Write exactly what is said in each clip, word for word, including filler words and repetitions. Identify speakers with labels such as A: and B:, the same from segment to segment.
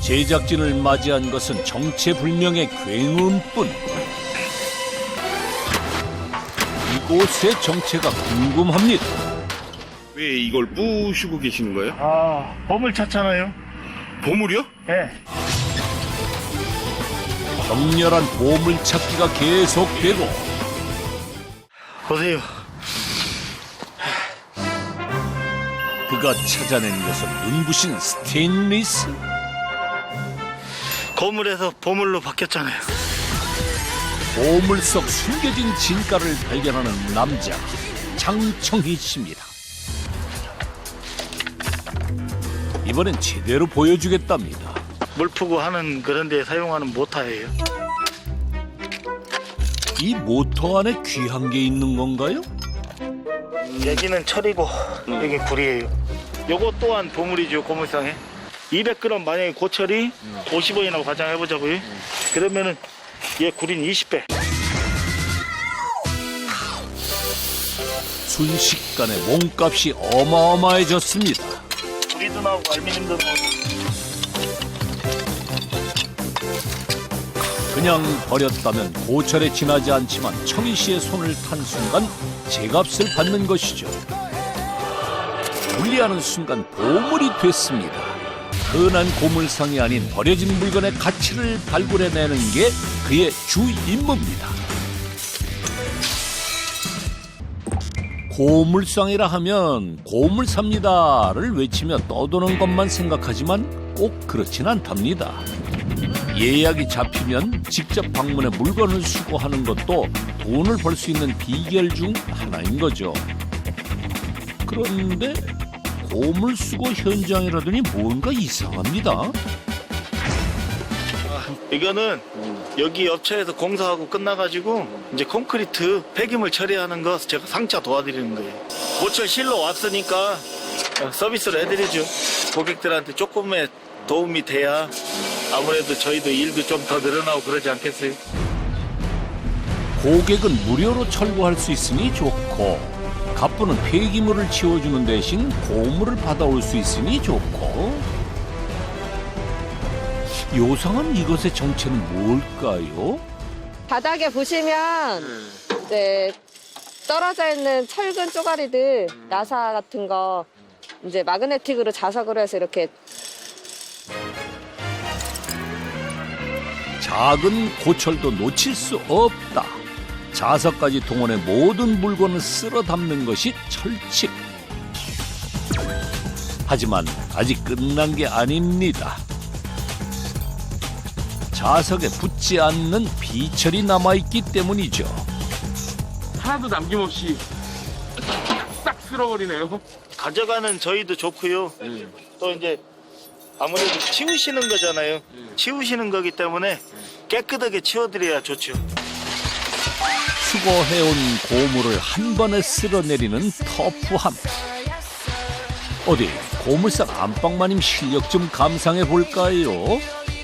A: 제작진을 맞이한 것은 정체불명의 굉음뿐. 이곳의 정체가 궁금합니다.
B: 왜 이걸 부시고 계시는 거예요?
C: 아, 보물 찾잖아요.
B: 보물이요?
C: 예.
A: 격렬한 보물 찾기가 계속되고
C: 보세요.
A: 그가 찾아낸 것은 눈부신 스테인리스?
C: 거물에서 보물로 바뀌었잖아요.
A: 보물 속 숨겨진 진가를 발견하는 남자 장청희 씨입니다. 이번엔 제대로 보여주겠답니다.
C: 물 푸고 하는 그런 데 사용하는 모타예요.
A: 이 모터 안에 귀한 게 있는 건가요?
C: 여기는 철이고 여기 굴이에요. 요거 또한 보물이죠, 고물상에. 이백 그램 만약에 고철이 오십 원이라고 가정해보자고요. 그러면은 얘 굴인 이십 배.
A: 순식간에 몸값이 어마어마해졌습니다.
C: 구리도 나오고 알루미늄도 나오고.
A: 그냥 버렸다면 고철에 지나지 않지만 청희 씨의 손을 탄 순간 제값을 받는 것이죠. 분리하는 순간 보물이 됐습니다. 흔한 고물상이 아닌 버려진 물건의 가치를 발굴해내는 게 그의 주 임무입니다. 고물상이라 하면 고물 삽니다를 외치며 떠도는 것만 생각하지만 꼭 그렇진 않답니다. 예약이 잡히면 직접 방문해 물건을 수거하는 것도 돈을 벌 수 있는 비결 중 하나인 거죠. 그런데 고물 수거 현장이라더니 뭔가 이상합니다.
C: 이거는 여기 업체에서 공사하고 끝나가지고 이제 콘크리트 폐기물 처리하는 거 제가 상차 도와드리는 거예요. 고철 실로 왔으니까 서비스를 해드리죠. 고객들한테 조금의 도움이 돼야 아무래도 저희도 일도 좀 더 늘어나고 그러지 않겠어요?
A: 고객은 무료로 철거할 수 있으니 좋고 갑부는 폐기물을 치워주는 대신 고물을 받아올 수 있으니 좋고 요상한 이것의 정체는 뭘까요?
D: 바닥에 보시면 이제 떨어져 있는 철근 쪼가리들 나사 같은 거 이제 마그네틱으로 자석으로 해서 이렇게
A: 작은 고철도 놓칠 수 없다. 자석까지 동원해 모든 물건을 쓸어 담는 것이 철칙. 하지만 아직 끝난 게 아닙니다. 자석에 붙지 않는 비철이 남아있기 때문이죠.
E: 하나도 남김없이 싹 쓸어버리네요.
C: 가져가는 저희도 좋고요.
E: 음.
C: 또 이제 아무래도 치우시는 거잖아요.
E: 음.
C: 치우시는 거기 때문에 깨끗하게 치워드려야 좋죠.
A: 수거해온 고물을 한 번에 쓸어내리는 터프함. 어디 고물상 안방마님 실력 좀 감상해 볼까요?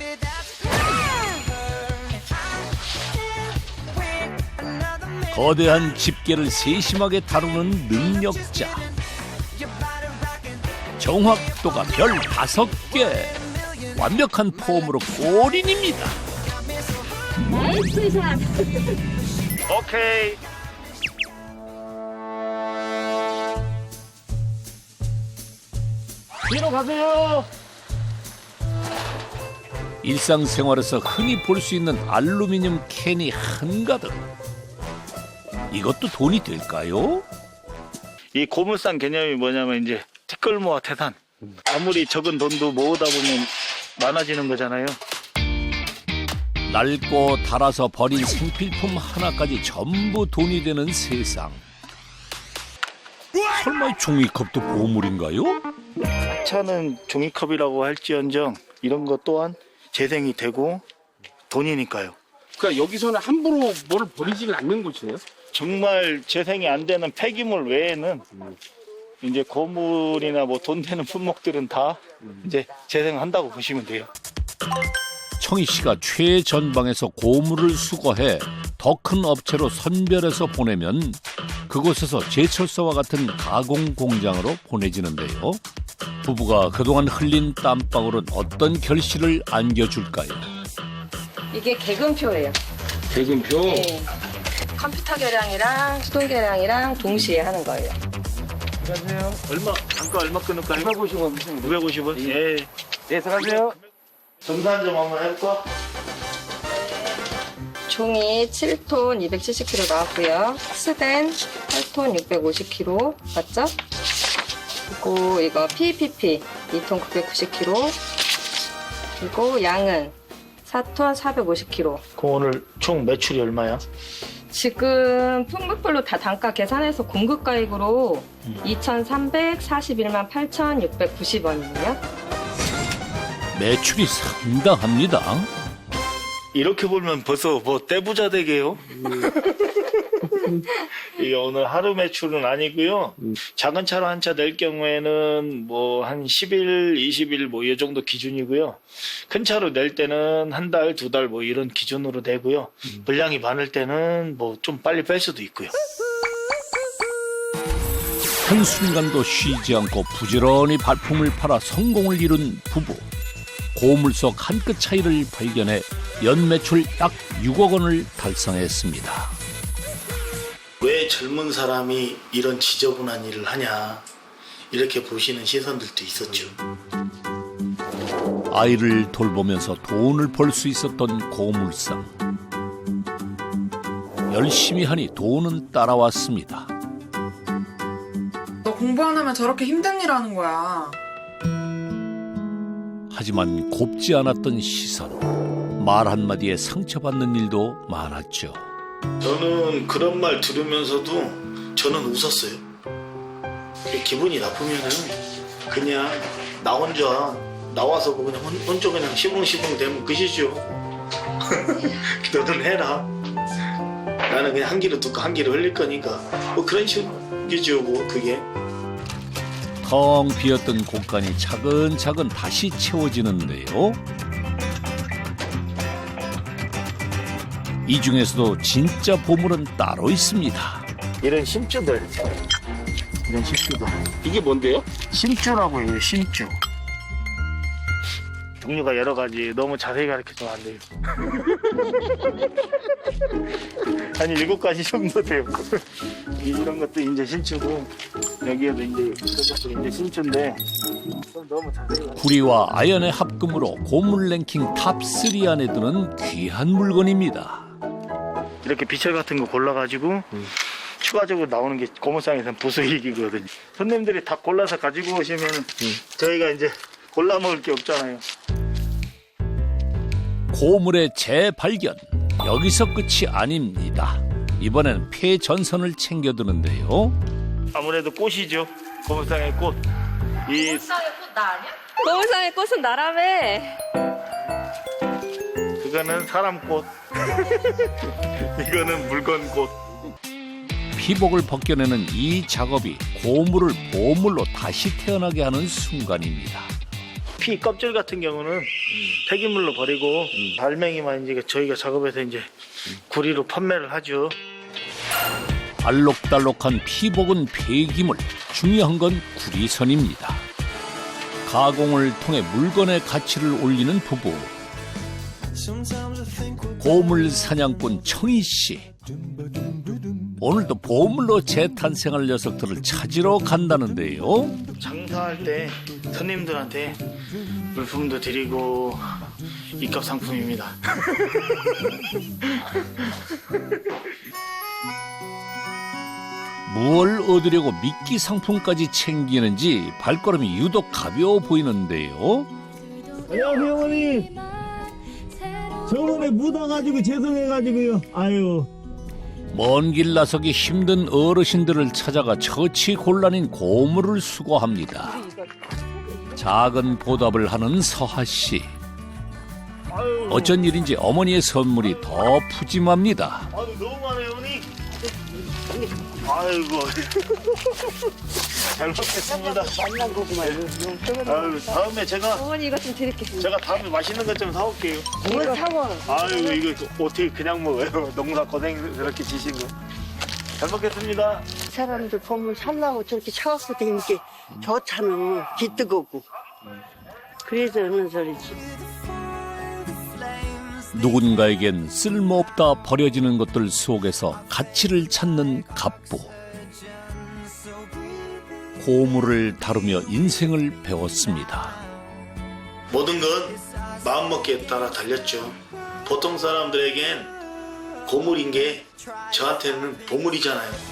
A: 거대한 집게를 세심하게 다루는 능력자. 정확도가 별 다섯 개. 완벽한 폼으로 골인입니다.
C: 오케이. 뒤로 가세요.
A: 일상생활에서 흔히 볼 수 있는 알루미늄 캔이 한가득. 이것도 돈이 될까요?
C: 이 고물상 개념이 뭐냐면 이제 티끌모아 태산. 아무리 적은 돈도 모으다 보면 많아지는 거잖아요.
A: 낡고 닳아서 버린 생필품 하나까지 전부 돈이 되는 세상. 설마 이 종이컵도 보물인가요?
C: 차는 종이컵이라고 할지언정 이런 것 또한 재생이 되고 돈이니까요.
E: 그러니까 여기서는 함부로 뭐를 버리지는 않는 곳이에요?
C: 정말 재생이 안 되는 폐기물 외에는 이제 고물이나 뭐 돈 되는 품목들은 다 이제 재생한다고 보시면 돼요.
A: 청희 씨가 최전방에서 고물을 수거해 더 큰 업체로 선별해서 보내면 그곳에서 제철소와 같은 가공 공장으로 보내지는데요. 부부가 그동안 흘린 땀방울은 어떤 결실을 안겨줄까요?
D: 이게 개근표예요.
E: 대금표.
D: 네. 컴퓨터 계량이랑 수동 계량이랑 동시에 하는 거예요.
C: 안녕하세요. 얼마, 잠깐 얼마 끊을까요?
E: 이백오십 원 무슨
C: 구백오십 원? 예.
E: 네, 들어가세요.
C: 정산 좀 한번 해볼까?
D: 종이 칠 톤 이백칠십 킬로그램 나왔고요. 스덴 팔 톤 육백오십 킬로그램 맞죠? 그리고 이거 피이피피 이 톤 구백구십 킬로그램 그리고 양은 사 톤 사백오십 킬로그램.
C: 그 오늘 총 매출이 얼마야?
D: 지금 품목별로 다 단가 계산해서 공급가액으로 이천삼백사십일만 팔천육백구십 원이네요.
A: 매출이 상당합니다.
C: 이렇게 보면 벌써 뭐 떼부자 되게요. 이게 오늘 하루 매출은 아니고요. 작은 차로 한 차 낼 경우에는 뭐 한 십 일, 이십 일 뭐 이 정도 기준이고요. 큰 차로 낼 때는 한 달, 두 달 뭐 이런 기준으로 되고요. 분량이 많을 때는 뭐 좀 빨리 뺄 수도 있고요.
A: 한순간도 쉬지 않고 부지런히 발품을 팔아 성공을 이룬 부부. 고물 속 한 끗 차이를 발견해 연매출 약 육억 원을 달성했습니다.
C: 왜 젊은 사람이 이런 지저분한 일을 하냐 이렇게 보시는 시선들도 있었죠.
A: 아이를 돌보면서 돈을 벌 수 있었던 고물상. 열심히 하니 돈은 따라왔습니다.
F: 너 공부 안 하면 저렇게 힘든 일 하는 거야.
A: 하지만 곱지 않았던 시선, 말 한마디에 상처받는 일도 많았죠.
C: 저는 그런 말 들으면서도 저는 웃었어요. 기분이 나쁘면은 그냥 나 혼자 나와서 그냥 혼- 혼자 그냥 시봉시봉 되면 끝이죠. 너는 해라. 나는 그냥 한 귀로 듣고 한 귀로 흘릴 거니까 뭐 그런 식이죠. 뭐 그게.
A: 텅 비었던 곳간이 차근차근 다시 채워지는데요. 이 중에서도 진짜 보물은 따로 있습니다.
C: 이런 심주들. 이런 심주들.
E: 이게 뭔데요?
C: 심주라고 해요. 심주. 종류가 여러 가지. 너무 자세히 가르쳐주면 안 돼요. 한 일곱 가지 정도 돼요. 이런 것도 이제 심주고 여기에도 이제 이것도 이제 심주인데 너무 자세히 가르쳐.
A: 구리와 아연의 합금으로 고물 랭킹 탑 쓰리 안에 드는 귀한 물건입니다.
C: 이렇게 비철 같은 거 골라가지고 추가적으로 나오는 게 고물상에서는 부수익이거든요. 손님들이 다 골라서 가지고 오시면 저희가 이제 골라 먹을 게 없잖아요.
A: 고물의 재발견, 여기서 끝이 아닙니다. 이번엔 폐전선을 챙겨드는데요.
C: 아무래도 꽃이죠. 고물상의 꽃. 이
D: 고물상의 꽃 나 아니야? 고물상의 꽃은 나라며.
C: 그거는 사람꽃. 이거는 물건꽃.
A: 피복을 벗겨내는 이 작업이 고물을 보물로 다시 태어나게 하는 순간입니다.
C: 피 껍질 같은 경우는 폐기물로 버리고 발맹이만 이제 저희가 작업해서 이제 구리로 판매를 하죠.
A: 알록달록한 피복은 폐기물, 중요한 건 구리선입니다. 가공을 통해 물건의 가치를 올리는 부부. 고물 사냥꾼 청희 씨. 오늘도 보물로 재탄생할 녀석들을 찾으러 간다는데요.
C: 장사할 때 손님들한테 물품도 드리고 입값 상품입니다.
A: 무얼 얻으려고 미끼 상품까지 챙기는지 발걸음이 유독 가벼워 보이는데요.
G: 안녕하세요, 어머니. 저번에 묻어가지고 죄송해가지고요. 아유.
A: 먼 길 나서기 힘든 어르신들을 찾아가 처치곤란인 고물을 수거합니다. 작은 보답을 하는 서하 씨. 어쩐 일인지 어머니의 선물이 더 푸짐합니다.
C: 아유 너무 많아요 어머니. 아이고 잘 먹겠습니다.
D: 만난 고구마.
C: 아유 다음에 제가
D: 어머니 이거 좀 드릴게요.
C: 제가 다음에 맛있는 것 좀 사올게요.
D: 이거 사고.
C: 아유 이거 어떻게 그냥 먹어요? 농사 고생스럽게 지시고. 잘 먹겠습니다.
H: 사람들 보물 살라고 저렇게 차갖고 다니는 게 좋잖아. 기뜨겁고. 그래서 하는 소리지.
A: 누군가에겐 쓸모없다 버려지는 것들 속에서 가치를 찾는 갑부. 고물을 다루며 인생을 배웠습니다.
C: 모든 건 마음먹기에 따라 달렸죠. 보통 사람들에겐 고물인 게 저한테는 보물이잖아요.